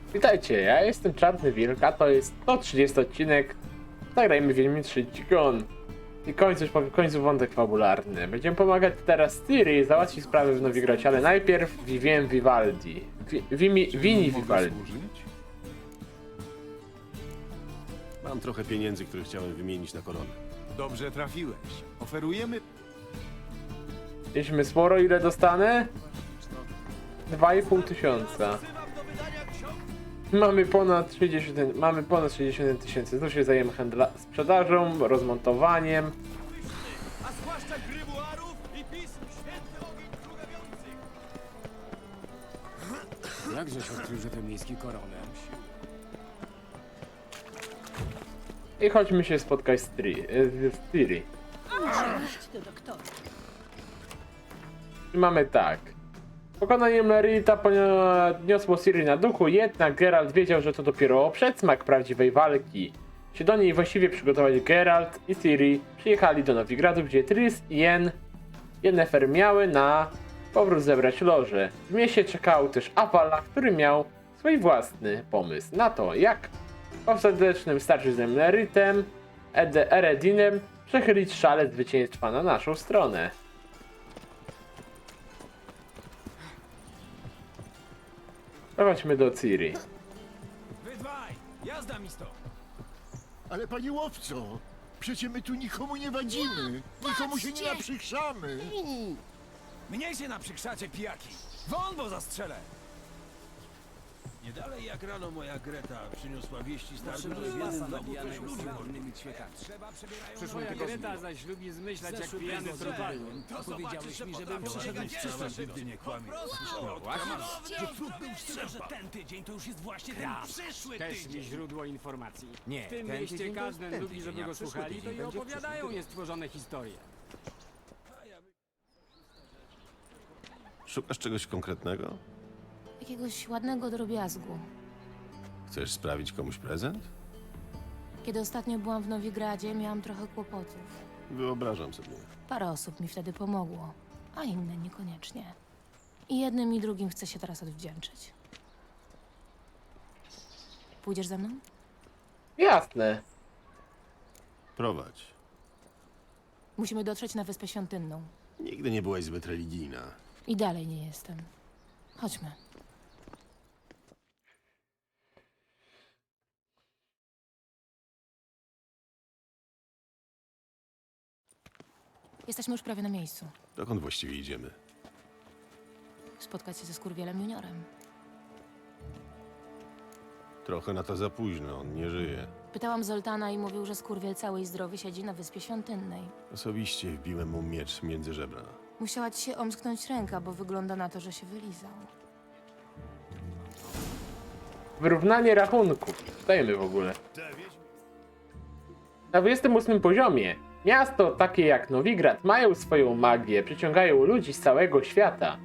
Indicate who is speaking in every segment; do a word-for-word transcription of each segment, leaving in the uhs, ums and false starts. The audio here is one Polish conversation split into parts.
Speaker 1: Witajcie, ja jestem Czarny Wilk, a to jest sto trzydziesty odcinek. Zagrajmy Wiedźmin trzy Gigon. I końcu, już powiem, końcu wątek fabularny. Będziemy pomagać teraz Ciri załatwić sprawy w Nowigradzie, ale najpierw Vivien Vivaldi. Vi, Vimi, Vini Vivaldi.
Speaker 2: Mam trochę pieniędzy, które chciałem wymienić na koronę.
Speaker 3: Dobrze trafiłeś. Oferujemy...
Speaker 1: Mieliśmy sporo, ile dostanę? dwa i pół tysiąca. Mamy ponad trzydzieści, mamy ponad trzydzieści jeden tysięcy. Tu się zajmiemy handla, sprzedażą, rozmontowaniem.
Speaker 3: A zwłaszcza grybuarów i pism święty ogień krugawiący.
Speaker 4: Jakżeś odkrył, że to miejski koronel?
Speaker 1: I chodźmy się spotkać z Ciri. Z Ciri. I mamy tak. Pokonanie Merita podniosło Ciri na duchu, jednak Geralt wiedział, że to dopiero przedsmak prawdziwej walki. Się do niej właściwie przygotować Geralt i Ciri przyjechali do Nowigradu, gdzie Triss i Yen Yennefer miały na powrót zebrać loże. W mieście czekał też Avala, który miał swój własny pomysł na to, jak w ostatecznym starciu z Meritem, Ed Eredinem przechylić szale zwycięstwa na naszą stronę. Prowadźmy do Ciri.
Speaker 3: Wy dwaj, jazda mi stąd.
Speaker 5: Ale panie łowco, przecie my tu nikomu nie wadzimy. Nikomu się nie naprzykrzamy.
Speaker 3: Mnie się naprzykrzacie, pijaki. Won, bo zastrzelę. Nie dalej jak rano moja Greta przyniosła wieści starym, że w jednym domu coś ludzi wolnymi światami. Trzeba przebierają
Speaker 4: Przyszła Greta zaś lubi zmyślać jak pijany trupal. Powiedziałeś mi, żebym przyszedł w przyszłość.
Speaker 3: Nigdy nie kłamie. Że próg był szczerze, że ten tydzień to już jest właśnie ten przyszły
Speaker 4: Też mi
Speaker 3: tydzień.
Speaker 4: źródło informacji.
Speaker 5: Nie,
Speaker 4: W tym
Speaker 5: ten
Speaker 4: mieście
Speaker 5: tydzień to
Speaker 4: każdy
Speaker 5: ten
Speaker 4: lubi,
Speaker 5: tydzień,
Speaker 4: żeby
Speaker 5: a
Speaker 4: go
Speaker 5: przyszły
Speaker 4: słuchali, to
Speaker 5: tydzień
Speaker 4: i
Speaker 5: będzie
Speaker 4: opowiadają
Speaker 5: przyszły
Speaker 4: niestworzone historie.
Speaker 2: Szukasz czegoś konkretnego?
Speaker 6: Jakiegoś ładnego drobiazgu.
Speaker 2: Chcesz sprawić komuś prezent?
Speaker 6: Kiedy ostatnio byłam w Nowigradzie, miałam trochę kłopotów.
Speaker 2: Wyobrażam sobie.
Speaker 6: Parę osób mi wtedy pomogło, a inne niekoniecznie. I jednym i drugim chcę się teraz odwdzięczyć. Pójdziesz ze mną?
Speaker 1: Jasne.
Speaker 2: Prowadź.
Speaker 6: Musimy dotrzeć na Wyspę Świątynną.
Speaker 2: Nigdy nie byłaś zbyt religijna.
Speaker 6: I dalej nie jestem. Chodźmy. Jesteśmy już prawie na miejscu.
Speaker 2: Dokąd właściwie idziemy?
Speaker 6: Spotkać się ze Skurwielem Juniorem.
Speaker 2: Trochę na to za późno, on nie żyje.
Speaker 6: Pytałam Zoltana i mówił, że Skurwiel cały i zdrowy siedzi na Wyspie Świątynnej.
Speaker 2: Osobiście wbiłem mu miecz między żebra.
Speaker 6: Musiała ci się omsknąć ręka, bo wygląda na to, że się wylizał.
Speaker 1: Wyrównanie rachunków. Stajemy w ogóle. Na dwudziestym ósmym poziomie. Miasto takie jak Nowigrad mają swoją magię, przyciągają ludzi z całego świata.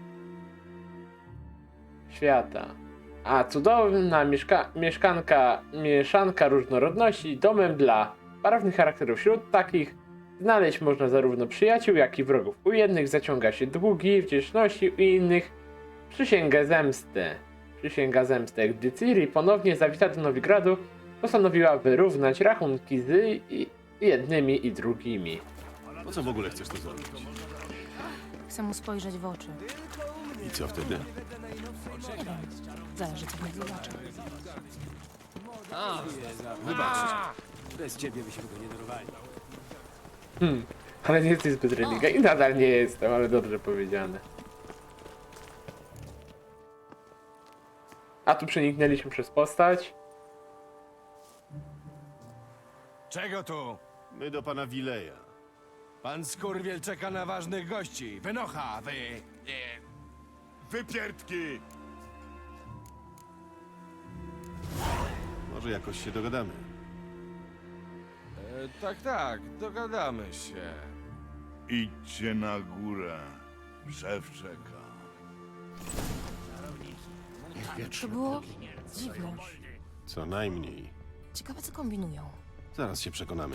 Speaker 1: Świata. A cudowna mieszka mieszkanka, mieszanka różnorodności domem dla barwnych charakterów. Wśród takich znaleźć można zarówno przyjaciół, jak i wrogów. U jednych zaciąga się długi wdzięczności, u innych przysięgę zemsty. Przysięga zemsty. Gdy Ciri ponownie zawita do Nowigradu, postanowiła wyrównać rachunki z i jednymi i drugimi.
Speaker 2: Po co w ogóle chcesz to zrobić?
Speaker 6: Chcę mu spojrzeć w oczy.
Speaker 2: I co wtedy?
Speaker 6: Nie wiem. Zależy, co w nich zobaczę.
Speaker 4: Wybacz. Bez ciebie byśmy go nie dorwali.
Speaker 1: Hmm, ale nie jesteś zbyt religijny. I nadal nie jestem, ale dobrze powiedziane. A tu przeniknęliśmy przez postać.
Speaker 3: Czego tu?
Speaker 2: My do pana Wileja.
Speaker 3: Pan Skurwiel czeka na ważnych gości. Wynocha, wy...
Speaker 5: Wypierdki!
Speaker 2: Może jakoś się dogadamy.
Speaker 3: E, tak, tak, dogadamy się.
Speaker 5: Idźcie na górę. Szef czeka.
Speaker 6: To było dziwne.
Speaker 2: Co najmniej.
Speaker 6: Ciekawe, co kombinują.
Speaker 2: Zaraz się przekonamy.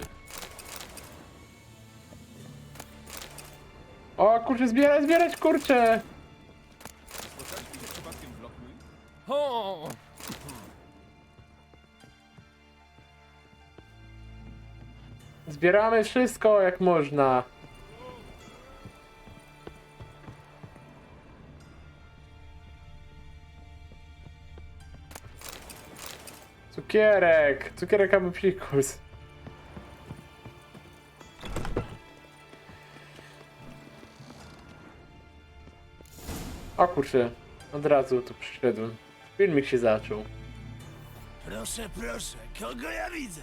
Speaker 1: O kurczę, zbierać, zbierać, kurczę!
Speaker 3: O!
Speaker 1: Zbieramy wszystko jak można. Cukierek! Cukierek albo psikus. O kurczę, od razu tu przyszedłem. Filmik się zaczął.
Speaker 3: Proszę, proszę, kogo ja widzę?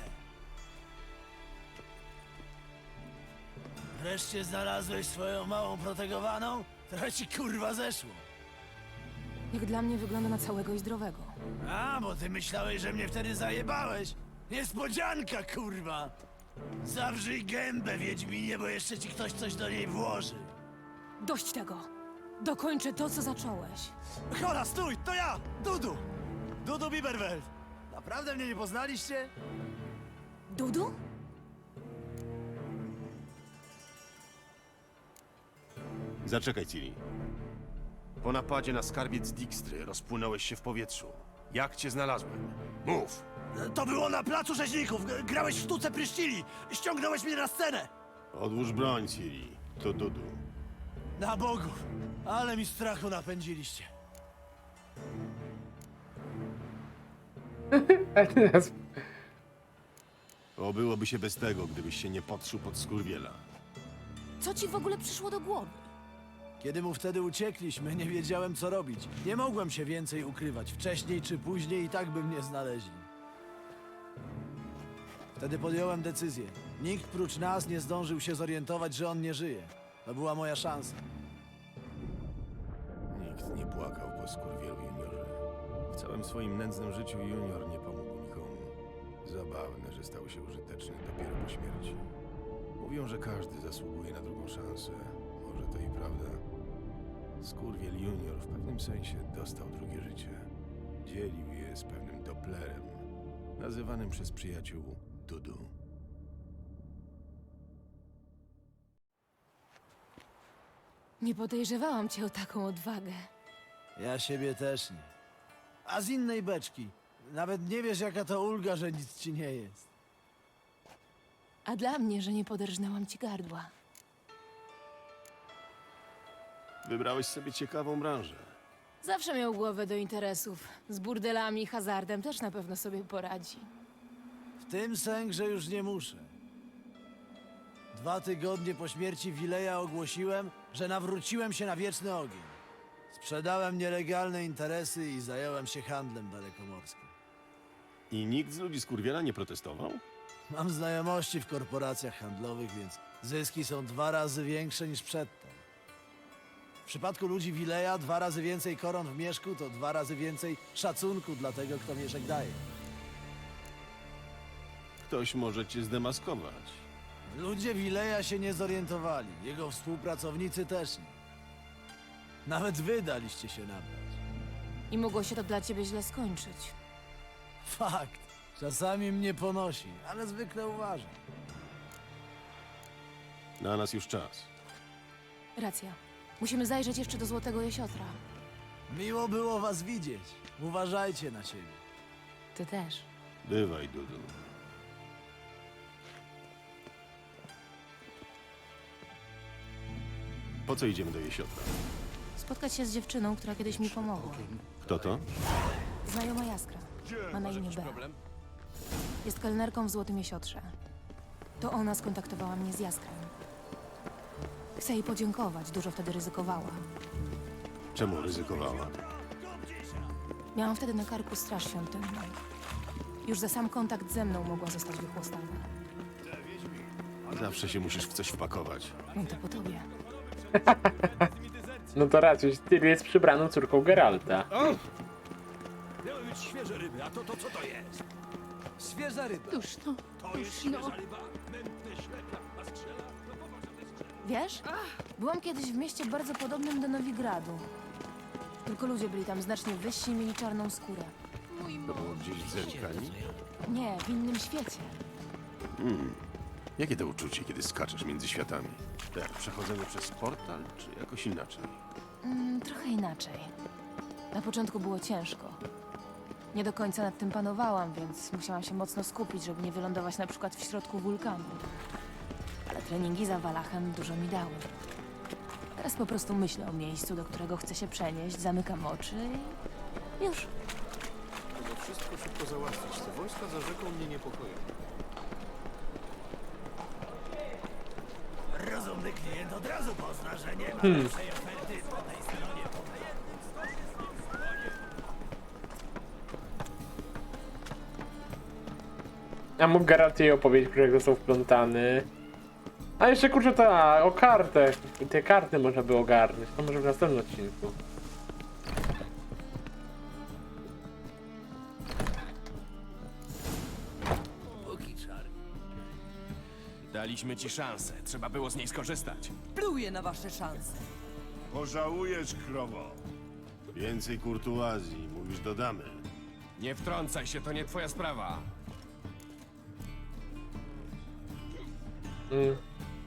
Speaker 3: Wreszcie znalazłeś swoją małą protegowaną? Trochę ci kurwa zeszło.
Speaker 6: Jak dla mnie wygląda na całego i zdrowego.
Speaker 3: A, bo ty myślałeś, że mnie wtedy zajebałeś. Niespodzianka, kurwa. Zawrzyj gębę, Wiedźminie, bo jeszcze ci ktoś coś do niej włoży.
Speaker 6: Dość tego! Dokończę to, co zacząłeś.
Speaker 3: Chora, stój, to ja, Dudu. Dudu Biberwelt. Naprawdę mnie nie poznaliście?
Speaker 6: Dudu?
Speaker 2: Zaczekaj, Ciri. Po napadzie na skarbiec Dijkstry rozpłynąłeś się w powietrzu. Jak cię znalazłem? Mów!
Speaker 3: To było na placu rzeźników. G- Grałeś w sztuce pryszcili. Ściągnąłeś mnie na scenę.
Speaker 2: Odłóż broń, Ciri. To Dudu.
Speaker 3: Na Bogu, ale mi strachu napędziliście.
Speaker 1: A teraz
Speaker 2: Obyłoby się bez tego, gdybyś się nie podszył pod skurwiela.
Speaker 6: Co ci w ogóle przyszło do głowy?
Speaker 3: Kiedy mu wtedy uciekliśmy, nie wiedziałem co robić. Nie mogłem się więcej ukrywać. Wcześniej czy później i tak by mnie znaleźli. Wtedy podjąłem decyzję. Nikt prócz nas nie zdążył się zorientować, że on nie żyje. To była moja szansa.
Speaker 2: Nikt nie płakał po skurwielu juniorze. W całym swoim nędznym życiu junior nie pomógł nikomu. Zabawne, że stał się użyteczny dopiero po śmierci. Mówią, że każdy zasługuje na drugą szansę. Może to i prawda. Skurwiel junior w pewnym sensie dostał drugie życie. Dzielił je z pewnym Dopplerem, nazywanym przez przyjaciół Dudu.
Speaker 6: Nie podejrzewałam cię o taką odwagę.
Speaker 3: Ja siebie też nie. A z innej beczki. Nawet nie wiesz, jaka to ulga, że nic ci nie jest.
Speaker 6: A dla mnie, że nie poderżnęłam ci gardła.
Speaker 2: Wybrałeś sobie ciekawą branżę.
Speaker 6: Zawsze miał głowę do interesów. Z burdelami i hazardem też na pewno sobie poradzi.
Speaker 3: W tym sęk, że już nie muszę. Dwa tygodnie po śmierci Wileja ogłosiłem, że nawróciłem się na wieczny ogień. Sprzedałem nielegalne interesy i zająłem się handlem dalekomorskim.
Speaker 2: I nikt z ludzi skurwiela nie protestował?
Speaker 3: Mam znajomości w korporacjach handlowych, więc zyski są dwa razy większe niż przedtem. W przypadku ludzi Wileja dwa razy więcej koron w mieszku to dwa razy więcej szacunku dla tego, kto mieszek daje.
Speaker 2: Ktoś może cię zdemaskować.
Speaker 3: Ludzie Wileja się nie zorientowali, jego współpracownicy też nie. Nawet wy daliście się nabrać.
Speaker 6: I mogło się to dla ciebie źle skończyć.
Speaker 3: Fakt, czasami mnie ponosi, ale zwykle uważam.
Speaker 2: Na nas już czas.
Speaker 6: Racja. Musimy zajrzeć jeszcze do Złotego Jesiotra.
Speaker 3: Miło było was widzieć. Uważajcie na siebie.
Speaker 6: Ty też.
Speaker 2: Bywaj, Dudu. Po co idziemy do Jesiotra?
Speaker 6: Spotkać się z dziewczyną, która kiedyś mi pomogła.
Speaker 2: Kto to?
Speaker 6: Znajoma Jaskra. Ma na imię Bea. Jest kelnerką w Złotym Jesiotrze. To ona skontaktowała mnie z Jaskrem. Chcę jej podziękować, dużo wtedy ryzykowała.
Speaker 2: Czemu ryzykowała?
Speaker 6: Miałam wtedy na karku straż świątynną. Już za sam kontakt ze mną mogła zostać wychłostana.
Speaker 2: Zawsze się musisz w coś wpakować.
Speaker 6: No to po tobie.
Speaker 1: no to raczej Ciri jest przybraną córką Geralta.
Speaker 3: Miały być świeże ryby, a to, to co to jest?
Speaker 4: Świeża ryba.
Speaker 7: Już no,
Speaker 3: To jest
Speaker 7: już no.
Speaker 3: świeża ryba? Mętne ślepia, a strzela? No popatrz, a to jest strzela.
Speaker 6: Wiesz? Byłam kiedyś w mieście bardzo podobnym do Nowigradu. Tylko ludzie byli tam znacznie wyżsi i mieli czarną skórę.
Speaker 7: Mój
Speaker 2: To było
Speaker 7: mąż.
Speaker 2: gdzieś w Zerikani?
Speaker 6: Nie, w innym świecie.
Speaker 2: Jakie to uczucie, kiedy skaczesz między światami? Jak przechodzenie przez portal, czy jakoś inaczej?
Speaker 6: Mm, trochę inaczej. Na początku było ciężko. Nie do końca nad tym panowałam, więc musiałam się mocno skupić, żeby nie wylądować na przykład w środku wulkanu. Ale treningi za Walachem dużo mi dały. Teraz po prostu myślę o miejscu, do którego chcę się przenieść, zamykam oczy i już.
Speaker 7: Trzeba wszystko szybko załatwić. Te wojska za rzeką mnie niepokoją.
Speaker 3: Rozumny klient od razu pozna, że nie ma lepszej oferty po tej stronie.
Speaker 1: Ja mógł Geralt jej opowiedzieć, którego są wplątany. A jeszcze kurczę ta, o kartę. Te karty można by ogarnąć. To może w następnym odcinku.
Speaker 7: Daliśmy ci szansę. Trzeba było z niej skorzystać.
Speaker 4: Pluję na wasze szanse.
Speaker 5: Pożałujesz, krowo.
Speaker 2: Więcej kurtuazji, mówisz, dodamy.
Speaker 7: Nie wtrącaj się, to nie twoja sprawa.
Speaker 1: Mm.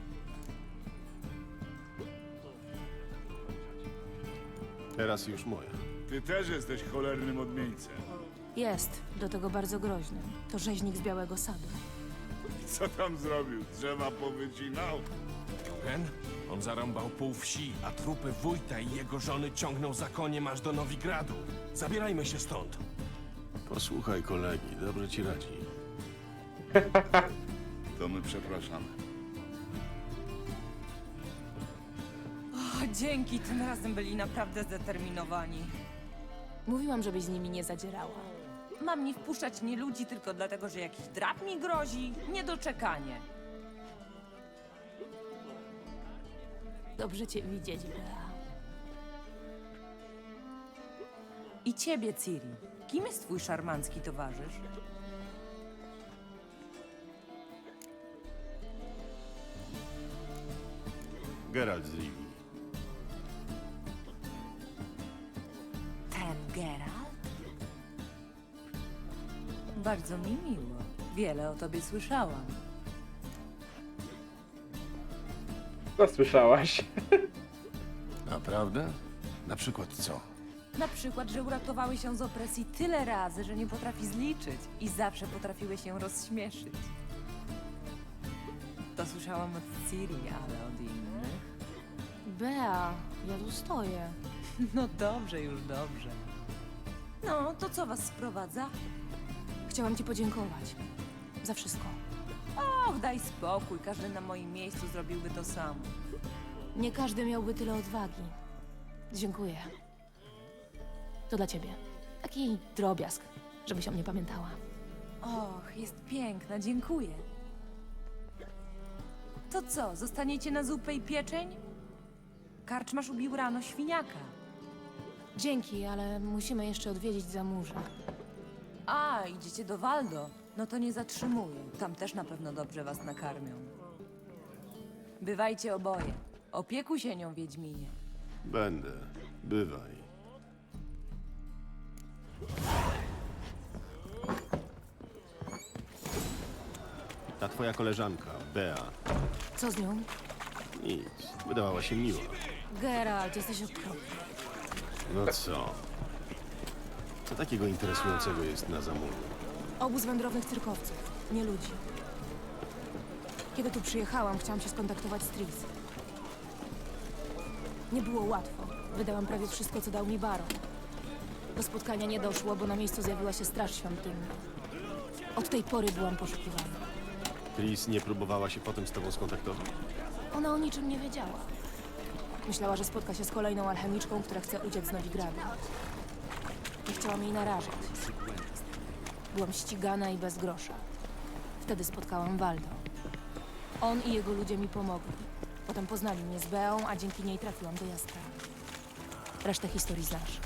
Speaker 2: Teraz już moja.
Speaker 8: Ty też jesteś cholernym odmieńcem.
Speaker 6: Jest, do tego bardzo groźny. To rzeźnik z Białego Sadu.
Speaker 8: Co tam zrobił? Drzewa powycinał?
Speaker 7: Ten? On zarąbał pół wsi, a trupy wójta i jego żony ciągnął za koniem aż do Nowigradu. Zabierajmy się stąd.
Speaker 2: Posłuchaj kolegi, dobrze ci radzi.
Speaker 8: To my przepraszamy.
Speaker 4: O, dzięki, tym razem byli naprawdę zdeterminowani.
Speaker 6: Mówiłam, żebyś z nimi nie zadzierała.
Speaker 4: Mam nie wpuszczać nie ludzi tylko dlatego, że jakiś drap mi grozi? Niedoczekanie.
Speaker 6: Dobrze cię widzieć, Bea.
Speaker 4: I ciebie, Ciri. Kim jest twój szarmancki towarzysz?
Speaker 2: Geralt z Rivii.
Speaker 4: Ten Geralt? Bardzo mi miło. Wiele o tobie słyszałam.
Speaker 1: Co słyszałaś?
Speaker 2: Naprawdę? Na przykład co?
Speaker 4: Na przykład, że uratowały się z opresji tyle razy, że nie potrafi zliczyć i zawsze potrafiły się rozśmieszyć. To słyszałam od Ciri, ale od innych.
Speaker 6: Bea, ja tu stoję.
Speaker 4: No dobrze, już dobrze. No, to co was sprowadza?
Speaker 6: Chciałam ci podziękować. Za wszystko.
Speaker 4: Och, daj spokój, każdy na moim miejscu zrobiłby to samo.
Speaker 6: Nie każdy miałby tyle odwagi. Dziękuję. To dla ciebie. Taki drobiazg, żebyś o mnie pamiętała.
Speaker 4: Och, jest piękna, dziękuję. To co, zostaniecie na zupę i pieczeń? Karczmasz ubił rano świniaka.
Speaker 6: Dzięki, ale musimy jeszcze odwiedzić Zamurza.
Speaker 4: A, idziecie do Waldo? No to nie zatrzymuję. Tam też na pewno dobrze was nakarmią. Bywajcie oboje. Opiekuj się nią, Wiedźminie.
Speaker 2: Będę. Bywaj. Ta twoja koleżanka, Bea.
Speaker 6: Co z nią?
Speaker 2: Nic. Wydawała się miła.
Speaker 6: Geralt, jesteś okropny.
Speaker 2: No co? Co takiego interesującego jest na zamówieniu?
Speaker 6: Obóz wędrownych cyrkowców, nie ludzi. Kiedy tu przyjechałam, chciałam się skontaktować z Tris. Nie było łatwo. Wydałam prawie wszystko, co dał mi baron. Do spotkania nie doszło, bo na miejscu zjawiła się straż świątynna. Od tej pory byłam poszukiwana.
Speaker 2: Tris nie próbowała się potem z tobą skontaktować?
Speaker 6: Ona o niczym nie wiedziała. Myślała, że spotka się z kolejną alchemiczką, która chce uciec z Nowigradu. Nie chciałam jej narażać. Byłam ścigana i bez grosza. Wtedy spotkałam Waldo. On i jego ludzie mi pomogli. Potem poznali mnie z Beą, a dzięki niej trafiłam do Jaskra. Resztę historii znasz.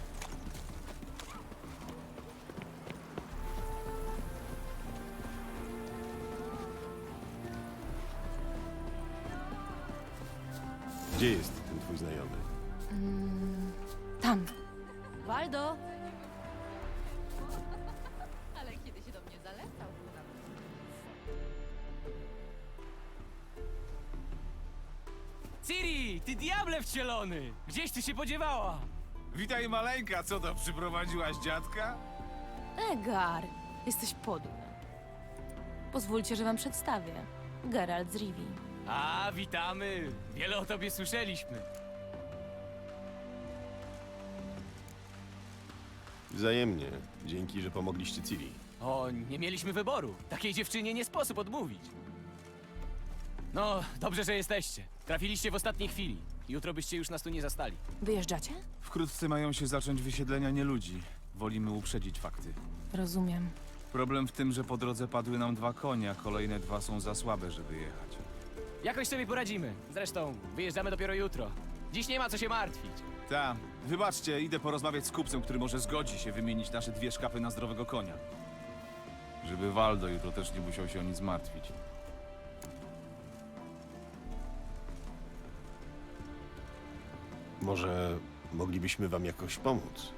Speaker 2: Gdzie jest ten twój znajomy?
Speaker 6: Tam. Waldo!
Speaker 9: Ale kiedy się do mnie zalecał,
Speaker 10: Ciri, ty diable wcielony! Gdzieś ty się podziewała?
Speaker 8: Witaj maleńka, co to, przyprowadziłaś dziadka?
Speaker 6: Egar, jesteś podły. Pozwólcie, że wam przedstawię. Geralt z Rivii.
Speaker 10: A, witamy! Wiele o tobie słyszeliśmy.
Speaker 2: Wzajemnie. Dzięki, że pomogliście Ciri.
Speaker 10: O, nie mieliśmy wyboru. Takiej dziewczynie nie sposób odmówić. No, dobrze, że jesteście. Trafiliście w ostatniej chwili. Jutro byście już nas tu nie zastali.
Speaker 6: Wyjeżdżacie?
Speaker 3: Wkrótce mają się zacząć wysiedlenia nieludzi. Wolimy uprzedzić fakty.
Speaker 6: Rozumiem.
Speaker 3: Problem w tym, że po drodze padły nam dwa konie, a kolejne dwa są za słabe, żeby jechać.
Speaker 10: Jakoś sobie poradzimy. Zresztą, wyjeżdżamy dopiero jutro. Dziś nie ma co się martwić.
Speaker 3: Ta, wybaczcie, idę porozmawiać z kupcem, który może zgodzi się wymienić nasze dwie szkapy na zdrowego konia. Żeby Waldo jutro też nie musiał się o nic martwić.
Speaker 2: Może moglibyśmy wam jakoś pomóc?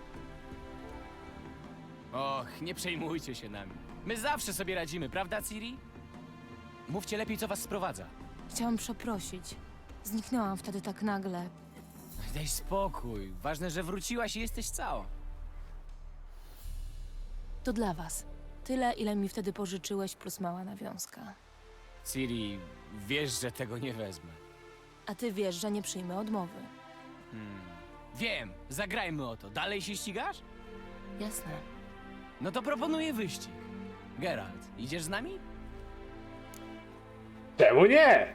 Speaker 10: Och, nie przejmujcie się nami. My zawsze sobie radzimy, prawda, Ciri? Mówcie lepiej, co was sprowadza.
Speaker 6: Chciałam przeprosić. Zniknęłam wtedy tak nagle.
Speaker 10: Daj spokój. Ważne, że wróciłaś i jesteś cała.
Speaker 6: To dla was. Tyle, ile mi wtedy pożyczyłeś, plus mała nawiązka.
Speaker 10: Ciri, wiesz, że tego nie wezmę.
Speaker 6: A ty wiesz, że nie przyjmę odmowy.
Speaker 10: Hmm. Wiem, zagrajmy o to. Dalej się ścigasz?
Speaker 6: Jasne.
Speaker 10: No to proponuję wyścig. Geralt, idziesz z nami?
Speaker 1: Czemu nie?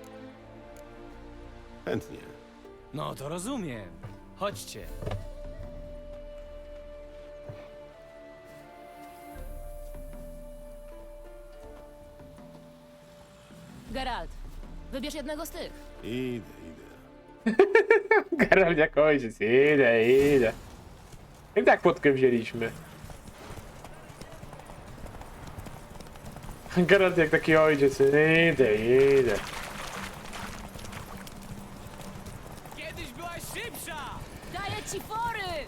Speaker 2: Chętnie.
Speaker 10: No to rozumiem. Chodźcie.
Speaker 6: Geralt, wybierz jednego z tych.
Speaker 2: Idę, idę.
Speaker 1: Geralt jak ojciec, idę, idę. I tak płotkę wzięliśmy. Geralt jak taki ojciec, idę, idę.
Speaker 10: Kiedyś byłaś szybsza!
Speaker 6: Daję ci fory!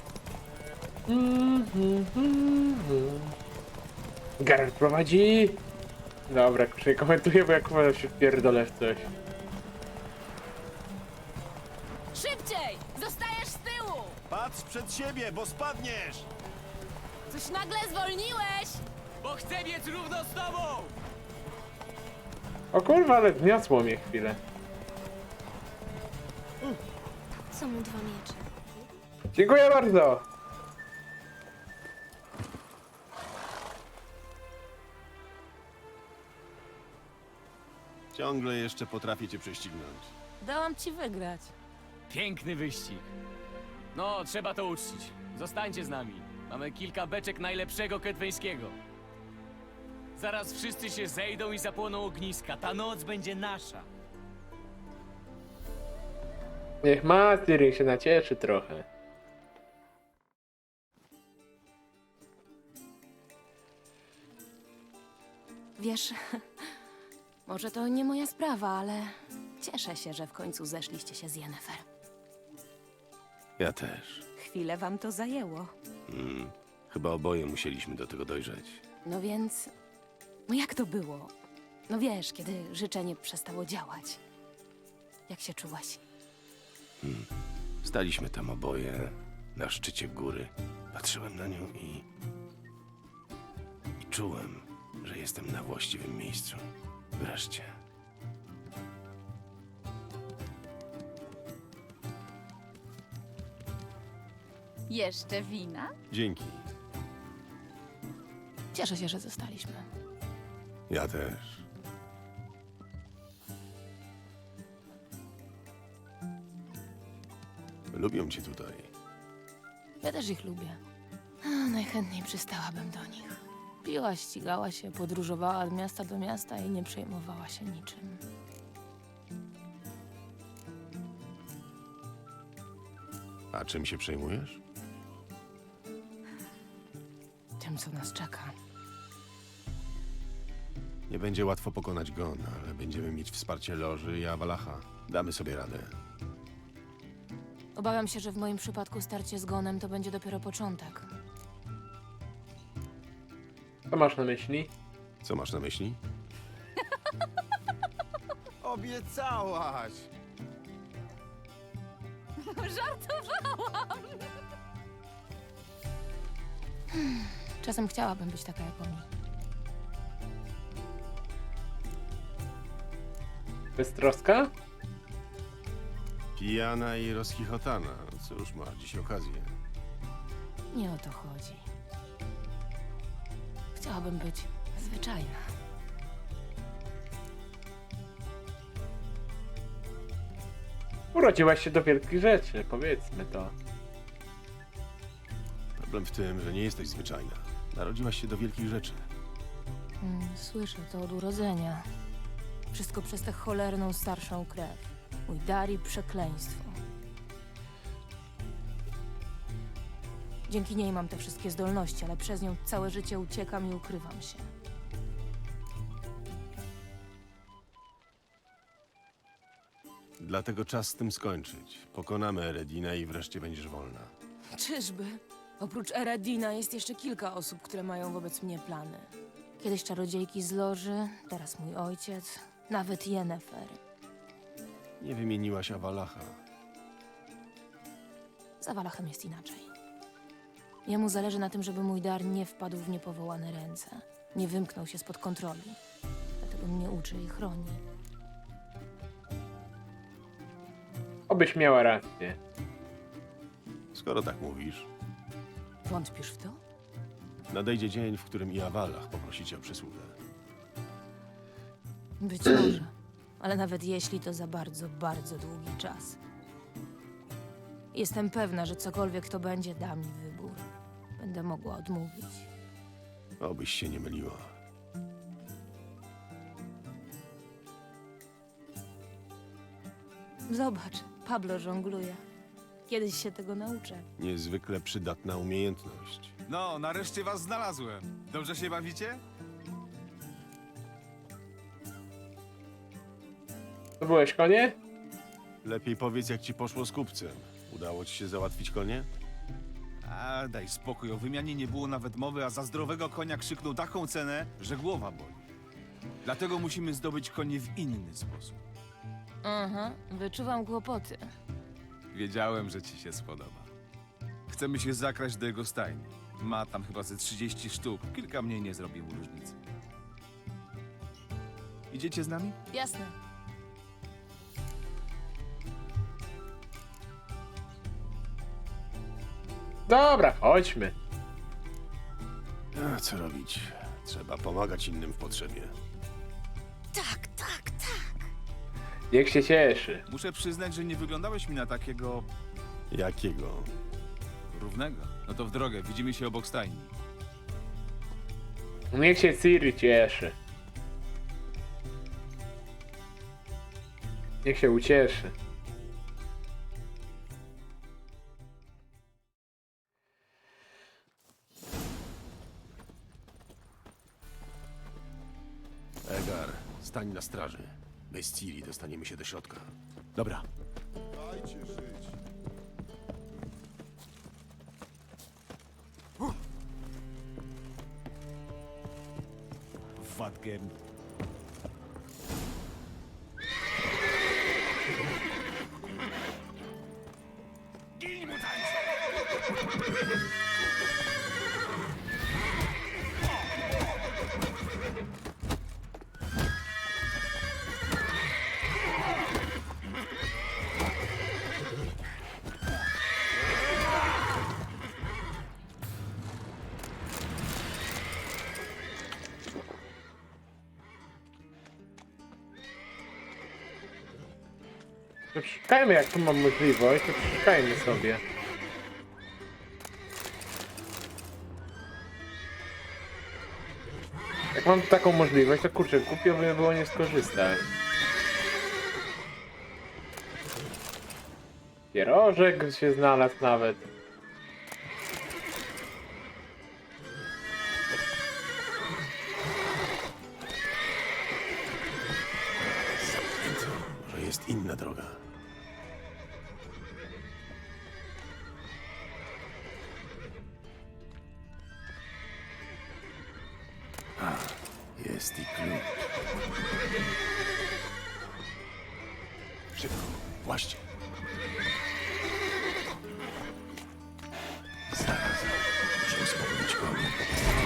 Speaker 1: Geralt prowadzi. Dobra, już nie komentuję, bo jak chyba się wpierdolę w coś.
Speaker 6: Szybciej! Zostajesz z tyłu!
Speaker 2: Patrz przed siebie, bo spadniesz!
Speaker 6: Coś nagle zwolniłeś!
Speaker 10: Bo chcę biec równo z tobą!
Speaker 1: O kurwa, ale wniosło mnie chwilę.
Speaker 6: Są mu dwa miecze.
Speaker 1: Dziękuję bardzo.
Speaker 2: Ciągle jeszcze potrafię cię prześcignąć.
Speaker 6: Dałam ci wygrać.
Speaker 10: Piękny wyścig. No, trzeba to uczcić. Zostańcie z nami. Mamy kilka beczek najlepszego ketweńskiego. Zaraz wszyscy się zejdą i zapłoną ogniska. Ta noc będzie nasza.
Speaker 1: Niech ma, Ciri się nacieszy trochę.
Speaker 6: Wiesz, może to nie moja sprawa, ale cieszę się, że w końcu zeszliście się z Yennefer.
Speaker 2: Ja też.
Speaker 6: Chwilę wam to zajęło.
Speaker 2: Mm. Chyba oboje musieliśmy do tego dojrzeć.
Speaker 6: No więc, no jak to było? No wiesz, kiedy życzenie przestało działać. Jak się czułaś?
Speaker 2: Staliśmy tam oboje, na szczycie góry. Patrzyłem na nią i... i czułem, że jestem na właściwym miejscu. Wreszcie.
Speaker 9: Jeszcze wina?
Speaker 2: Dzięki.
Speaker 6: Cieszę się, że zostaliśmy.
Speaker 2: Ja też. Lubią cię tutaj.
Speaker 6: Ja też ich lubię. A, najchętniej przystałabym do nich. Piła, ścigała się, podróżowała od miasta do miasta i nie przejmowała się niczym.
Speaker 2: A czym się przejmujesz?
Speaker 6: Tym, co nas czeka.
Speaker 2: Nie będzie łatwo pokonać Gon, ale będziemy mieć wsparcie Loży i Awalacha. Damy sobie radę.
Speaker 6: Obawiam się, że w moim przypadku starcie z Gonem to będzie dopiero początek.
Speaker 1: Co masz na myśli?
Speaker 2: Co masz na myśli?
Speaker 8: Obiecałaś!
Speaker 9: Żartowałam!
Speaker 6: Czasem chciałabym być taka jak oni.
Speaker 1: Beztroska?
Speaker 2: Pijana i rozchichotana. Cóż, ma dziś okazję.
Speaker 6: Nie o to chodzi. Chciałabym być zwyczajna.
Speaker 1: Urodziłaś się do wielkich rzeczy, powiedzmy to.
Speaker 2: Problem w tym, że nie jesteś zwyczajna. Narodziłaś się do wielkich rzeczy.
Speaker 6: Mm, słyszę to od urodzenia. Wszystko przez tę cholerną starszą krew. Mój dar i przekleństwo. Dzięki niej mam te wszystkie zdolności, ale przez nią całe życie uciekam i ukrywam się.
Speaker 2: Dlatego czas z tym skończyć. Pokonamy Eredina i wreszcie będziesz wolna.
Speaker 6: Czyżby? Oprócz Eredina jest jeszcze kilka osób, które mają wobec mnie plany. Kiedyś czarodziejki z Loży, teraz mój ojciec, nawet Yennefer.
Speaker 2: Nie wymieniłaś Avalacha.
Speaker 6: Z Awalachem jest inaczej. Jemu zależy na tym, żeby mój dar nie wpadł w niepowołane ręce. Nie wymknął się spod kontroli. Dlatego mnie uczy i chroni.
Speaker 1: Obyś miała rację.
Speaker 2: Skoro tak mówisz,
Speaker 6: Wątpisz w to?
Speaker 2: nadejdzie dzień, w którym i Avalach poprosi cię o przysługę.
Speaker 6: Być może. Ale nawet jeśli, to za bardzo, bardzo długi czas. Jestem pewna, że cokolwiek to będzie, da mi wybór. Będę mogła odmówić.
Speaker 2: Obyś się nie myliła.
Speaker 6: Zobacz, Pablo żongluje. Kiedyś się tego nauczę.
Speaker 2: Niezwykle przydatna umiejętność.
Speaker 8: No, nareszcie was znalazłem. Dobrze się bawicie?
Speaker 1: To byłeś konie?
Speaker 2: Lepiej powiedz, jak ci poszło z kupcem. Udało ci się załatwić konie?
Speaker 8: A, daj spokój, o wymianie nie było nawet mowy, a za zdrowego konia krzyknął taką cenę, że głowa boli. Dlatego musimy zdobyć konie w inny sposób.
Speaker 6: Aha, wyczuwam kłopoty.
Speaker 8: Wiedziałem, że ci się spodoba. Chcemy się zakraść do jego stajni. Ma tam chyba ze trzydzieści sztuk. Kilka mniej nie zrobi mu różnicy. Idziecie z nami?
Speaker 6: Jasne.
Speaker 1: Dobra, chodźmy.
Speaker 2: A co robić? Trzeba pomagać innym w potrzebie.
Speaker 6: Tak, tak, tak.
Speaker 1: Niech się cieszy.
Speaker 8: Muszę przyznać, że nie wyglądałeś mi na takiego
Speaker 2: Jakiego?
Speaker 8: równego. No to w drogę, widzimy się obok stajni.
Speaker 1: Niech się Ciri cieszy. Niech się ucieszy.
Speaker 2: Egar, stań na straży. Bez Ciri dostaniemy się do środka. Dobra.
Speaker 5: Dajcie żyć.
Speaker 8: Wadgen.
Speaker 1: To przeszukajmy, jak tu mam możliwość, to przeszukajmy sobie. Jak mam taką możliwość, to kurczę, głupio by było nie skorzystać. Pierożek się znalazł nawet.
Speaker 2: Może jest inna droga. A, jest i klucz. Szybko, właśnie. Zaraz, muszę uspokoić konie.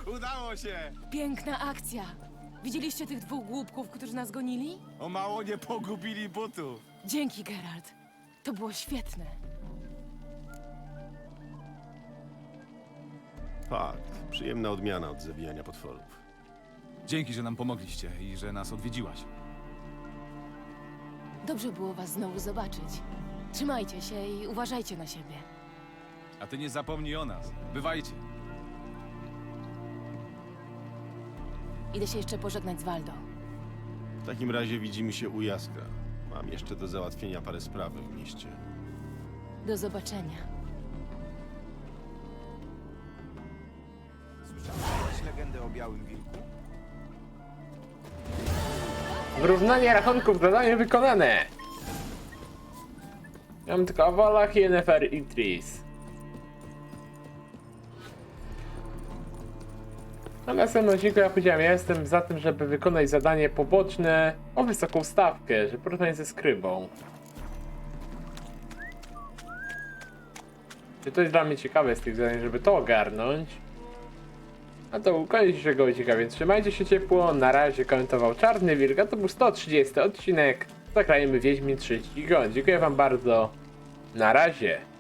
Speaker 8: Udało się!
Speaker 6: Piękna akcja! Widzieliście tych dwóch głupków, którzy nas gonili?
Speaker 8: O mało nie pogubili butów.
Speaker 6: Dzięki, Geralt. To było świetne.
Speaker 2: Fakt. Przyjemna odmiana od zabijania potworów.
Speaker 8: Dzięki, że nam pomogliście i że nas odwiedziłaś.
Speaker 6: Dobrze było was znowu zobaczyć. Trzymajcie się i uważajcie na siebie.
Speaker 8: A ty nie zapomnij o nas. Bywajcie.
Speaker 6: Idę się jeszcze pożegnać z Waldo.
Speaker 2: W takim razie widzimy się u Jaskra. Mam jeszcze do załatwienia parę spraw w mieście.
Speaker 6: Do zobaczenia.
Speaker 8: Słyszałeś legendę o Białym Wilku?
Speaker 1: Wyrównanie rachunków, zadanie wykonane. Mam tylko Avalach i Yennefer i Triss. Na następnym odcinku ja powiedziałem, ja jestem za tym, żeby wykonać zadanie poboczne o wysoką stawkę, żeby porównać ze skrybą. Czy to jest dla mnie ciekawe z tych zadań, żeby to ogarnąć? A to koniec dzisiejszego odcinka, więc trzymajcie się ciepło. Na razie komentował Czarny Wilk, a to był sto trzydziesty odcinek. Zagrajmy Wiedźmin trzeci Gon. Dziękuję wam bardzo. Na razie.